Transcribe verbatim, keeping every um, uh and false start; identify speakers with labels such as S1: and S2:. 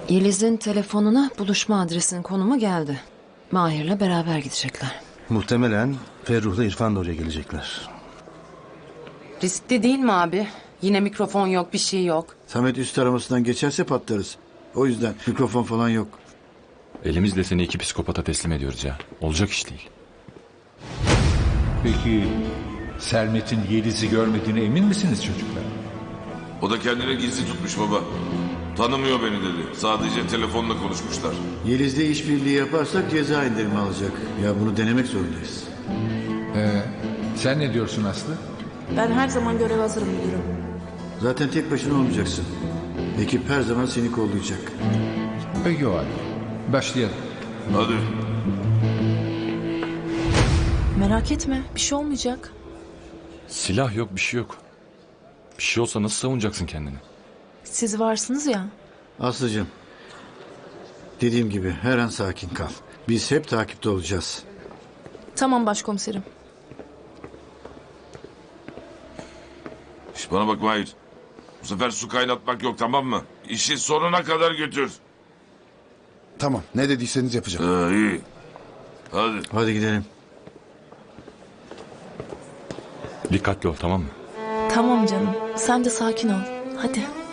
S1: Yeliz'in telefonuna buluşma adresinin konumu geldi. Mahir'le beraber gidecekler.
S2: Muhtemelen Ferruh'la İrfan da oraya gelecekler.
S3: Riskli değil mi abi? Yine mikrofon yok, bir şey yok.
S4: Samet üst aramasından geçerse patlarız. O yüzden mikrofon falan yok.
S5: Elimizle seni iki psikopata teslim ediyoruz ya. Olacak iş değil.
S6: Peki Sermet'in Yeliz'i görmediğine emin misiniz çocuklar?
S7: O da kendine gizli tutmuş baba. Tanımıyor beni dedi. Sadece telefonla konuşmuşlar.
S4: Yeliz'le işbirliği yaparsak ceza indirimi alacak. Ya bunu denemek zorundayız.
S6: Ee, sen ne diyorsun Aslı?
S8: Ben her zaman görev hazırım müdürüm.
S4: Zaten tek başına olmayacaksın. Ekip her zaman seni kollayacak.
S6: Peki o halde. Başlayalım.
S7: Hadi.
S8: Merak etme, bir şey olmayacak.
S5: Silah yok, bir şey yok. Bir şey olsa nasıl savunacaksın kendini?
S8: Siz varsınız ya.
S4: Aslıcığım, dediğim gibi her an sakin kal. Biz hep takipte olacağız.
S8: Tamam başkomiserim.
S7: Şş, bana bak Mahir. Bu sefer su kaynatmak yok, tamam mı? İşi sonuna kadar götür.
S9: Tamam, ne dediyseniz yapacağım.
S7: Ee, iyi. Hadi.
S4: Hadi gidelim.
S5: Dikkatli ol, tamam mı?
S8: Tamam canım, sen de sakin ol. Hadi.